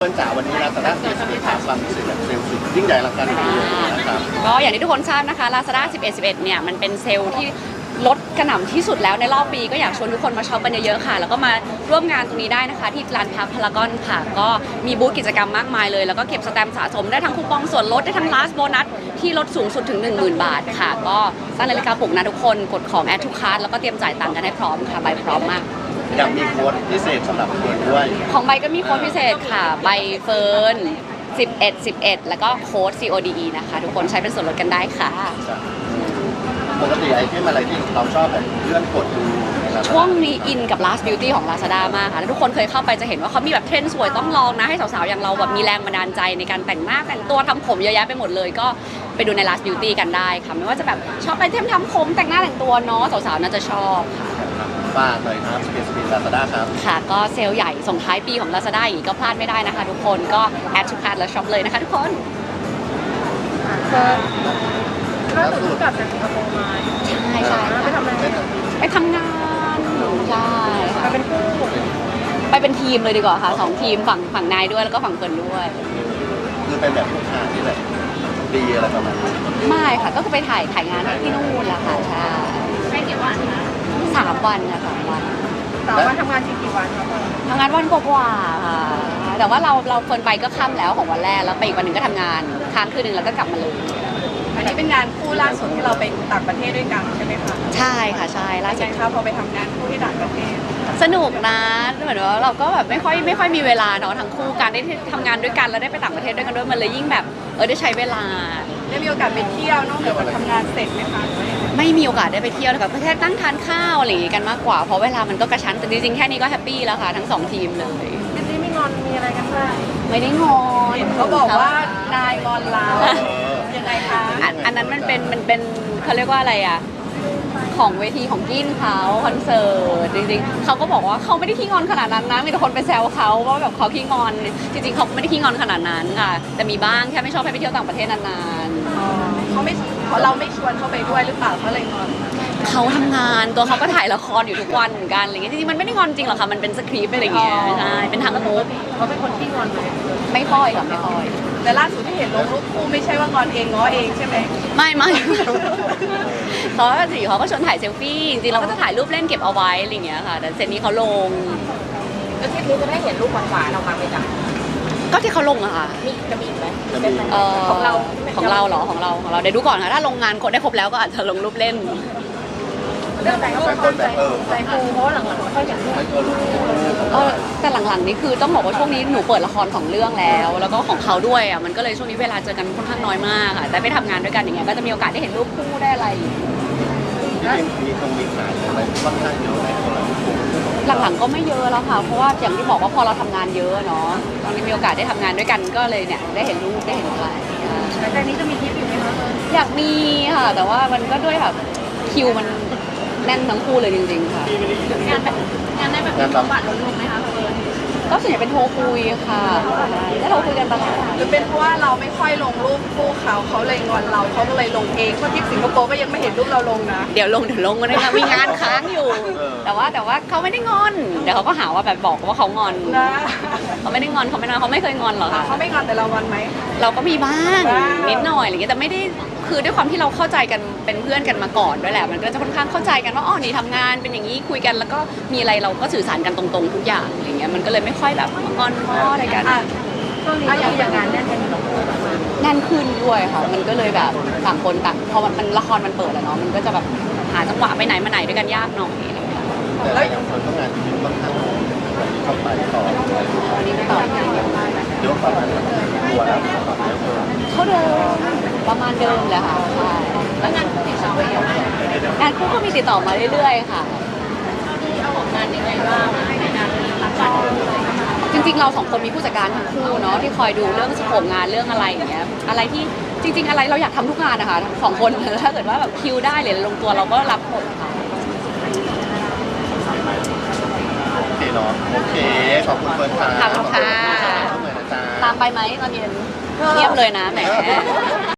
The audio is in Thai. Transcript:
เพื่อนจ๋าวันนี้Lazada 11ถามความรู้สึกแบบเซลล์สุดยิ่งใหญ่อลังการงานสร้างนะครับก็อย่างที่ทุกคนทราบนะคะ Lazada 11เนี่ยมันเป็นเซลล์ที่ลดกระหน่ำที่สุดแล้วในรอบปีก็อยากชวนทุกคนมาช็อปกันเยอะๆค่ะแล้วก็มาร่วมงานตรงนี้ได้นะคะที่ลานพักพารากอนค่ะก็มีบูธกิจกรรมมากมายเลยแล้วก็เก็บสแตมป์สะสมได้ทั้งคูปองส่วนลดได้ทั้ง last bonus ที่ลดสูงสุดถึง 10,000 บาทค่ะก็ตั้งนาฬิกาปลุกนะทุกคนกดของ add to cart แล้วก็เตรียมจ่ายตังค์กันให้พร้อมค่ะใบพร้อมมากอยากมีโค้ดพิเศษสำหรับเพื่อนด้วยของใบก็มีโค้ดพิเศษค่ะใบเฟิร์น11แล้วก็โค้ด CODE นะคะทุกคนใช้เป็นส่วนลดกันได้ค่ะปกติไอเทมอะไรที่เราชอบแบบเลื่อนกดดูช่วงนี้อินกับ Last Beauty ของ Lazada มากค่ะทุกคนเคยเข้าไปจะเห็นว่าเขามีแบบเทรนด์สวยต้องลองนะให้สาวๆอย่างเราแบบมีแรงบันดาลใจในการแต่งหน้าแต่งตัวทำผมเยอะแยะไปหมดเลยก็ไปดูใน Last Beauty กันได้ค่ะไม่ว่าจะแบบชอบไอเทมทำผมแต่งหน้าแต่งตัวเนาะสาวๆน่าจะชอบฝากเลยครับ11 Lazada ครับค่ะก็เซลล์ใหญ่ส่งท้ายปีของ Lazada อีกก็พลาดไม่ได้นะคะทุกคนก็แอดทุกคาร์ดแล้วช็อปเลยนะคะทุกคนล่าสุดกลับจากสิงคโปร์มาใช่ไปทำอะไรไปทำงานใช่ไปเป็นคู่ไปเป็นทีมเลยดีกว่าค่ะ2 ทีมฝั่งนายด้วยแล้วก็ฝั่งเฟิร์นด้วยคือเป็นแบบลูกค้าที่แบบดีอะไรประมาณนี้ไม่ค่ะก็คือไปถ่ายงานที่นู่นแหละค่ะใช่ไม่กี่วันนะ 3 วันค่ะ3 วัน 3 วันทำงานกี่วันครับทำงานวันกว่าค่ะแต่ว่าเราเฟิร์นไปก็ค่ำแล้วของวันแรกแล้วไปอีกวันหนึ่งก็ทำงานค้างคืนนึงแล้วก็กลับมาเลยอันนี้เป็นงานคู่ล่าสุดที่เราไปต่างประเทศด้วยกันใช่ไหมคะใช่ค่ะใช่ล่าสุดค่ะพอไปทำงานคู่ที่ต่างประเทศสนุกนะเหมือนว่าเราก็แบบไม่ค่อยมีเวลาเนาะทั้งคู่การได้ทำงานด้วยกันแล้วได้ไปต่างประเทศด้วยกันด้วยมันเลยยิ่งแบบได้ใช้เวลาได้มีโอกาสไปเที่ยวนอกจากทำงานเสร็จไหมคะไม่มีโอกาสได้ไปเที่ยวเลยค่ะแค่นั่งทานข้าวอะไรอย่างงี้กันมากกว่าเพราะเวลามันก็กระชั้นแต่จริงๆแค่นี้ก็แฮปปี้แล้วค่ะทั้ง2 ทีมเลยไม่งอนมีอะไรกันบ้างไม่ได้งอนเขาบอกว่านายงอนเรายังไงคะอันนั้นมันเป็นเขาเรียกว่าอะไรอ่ะของเวทีของกินเขาคอนเสิร์ตจริงๆเขาก็บอกว่าเขาไม่ได้ขี้งอนขนาดนั้นนะมีแต่คนไปแซวเขาว่าแบบเขาขี้งอนจริงๆเขาไม่ได้ขี้งอนขนาดนั้นค่ะแต่มีบ้างแค่ไม่ชอบให้ไปเที่ยวต่างประเทศนานๆเขาไม่เราไม่ชวนเขาไปด้วยหรือเปล่าเขาเลยงอนเขาทำงานตัวเขาก็ถ่ายละครอยู่ทุกวันเหมือนกันอะไรเงี้ยจริงๆมันไม่ได้งอนจริงหรอกค่ะมันเป็นสคริปต์อะไรเงี้ยใช่เป็นทางมูฟเขาเป็นคนที่งอนไหมไม่ค่อยค่ะไม่ค่อยแต่ล่าสุดที่เห็นลงรูปคู่ไม่ใช่ว่างอนเองง้อเองใช่ไหมไม่เขาก็ชวนถ่ายเซลฟี่จริงๆเราก็จะถ่ายรูปเล่นเก็บเอาไว้อะไรเงี้ยค่ะแต่เซตนี้เขาลงแล้วทริปนี้จะได้เห็นรูปหวานๆออกมาไหมจ๊ะก็ที่เขาลงอะค่ะจะมีไหมของเราเหรอของเราเดี๋ยวดูก่อนค่ะถ้าลงงานครบได้ครบแล้วก็อาจจะลงรูปเล่นเรื่องแต่งก็คนใจฟูเพราะหลังๆไม่ค่อยเห็นรูปแต่หลังๆนี่คือต้องบอกว่าช่วงนี้หนูเปิดละคร2 เรื่องแล้วก็ของเขาด้วยอ่ะมันก็เลยช่วงนี้เวลาเจอกันค่อนข้างน้อยมากค่ะแต่ไปทำงานด้วยกันอย่างเงี้ยก็จะมีโอกาสได้เห็นรูปคู่ได้อะไรมีขายอะไรค่อนข้างเยอะไหมหลังๆก็ไม่เยอะแล้วค่ะเพราะว่าอย่างที่บอกว่าพอเราทำงานเยอะเนาะตอนนี้มีโอกาสได้ทำงานด้วยกันก็เลยเนี่ยได้เห็นรูปได้เห็นอะไรแต่นี้จะมีทริปอยู่ไหมคะอยากมีค่ะแต่ว่ามันก็ด้วยแบบคิวมันแน่นทั้งคู่เลยจริงๆค่ะงานได้แบบมีบัตรลงไหมคะก็ส่วนใหญ่เป็นโทรคุยค่ะแล้วเราคุยกันตลอดหรือเป็นเพราะว่าเราไม่ค่อยลงรูปคู่เขาเลยงอนเราเขาก็เลยลงเองเพราะที่สิงคโปร์ก็ยังไม่เห็นรูปเราลงนะเดี๋ยวลงก็ได้ค่ะมีงานค้างอยู่แต่ว่าเขาไม่ได้งอนเดี๋ยวเขาก็หาว่าแบบบอกว่าเขางอนเขาไม่ได้งอนเขาไม่เคยงอนหรอกค่ะเขาไม่งอนแต่เรางอนไหมเราก็มีบ้างนิดหน่อยอะไรอย่างเงี้ยแต่ไม่ได้คือด้วยความที่เราเข้าใจกันเป็นเพื่อนกันมาก่อนด้วยแหละมันก็จะค่อนข้างเข้าใจกันว่าอ๋อนี่ทำงานเป็นอย่างนี้คุยกันแล้วก็มีอะไรเราก็สื่อสารกันตรงๆทุกอย่างอย่างเงี้ยมันก็เลยไม่ค่อยแบบงอนง้ออะไรกันช่วงนี้อย่างงานแน่นแน่นขึ้นด้วยค่ะมันก็เลยแบบต่างคนต่างพอมันละครมันเปิดแล้วเนาะมันก็จะแบบหาจังหวะไปไหนมาไหนด้วยกันยากหน่อยแล้วอย่างคนต้องงานที่ค่อนข้างเข้าไปต่อวันนี้ไม่ต่อเยอะประมาณตัวแล้วเขาเดิมประมาณเดิมแหละค่ะใช่แล้วงานคู่ติดต่อมายังไงงานคู่ก็มีติดต่อมาเรื่อยๆค่ะเอาของงานยังไงบ้างในงานรับจัดจริงๆเรา2 คนมีผู้จัดการทั้งคู่เนาะที่คอยดูเรื่องสโคปงานเรื่องอะไรอย่างเงี้ยอะไรที่จริงๆอะไรเราอยากทำทุกงานนะคะทั้ง2 คนถ้าเกิดว่าแบบคิวได้หรือลงตัวเราก็รับหมดค่ะโอเคเนาะโอเคขอบคุณเฟิร์นค่ะตามไปไหมตอนเย็นเงียบเลยนะแหม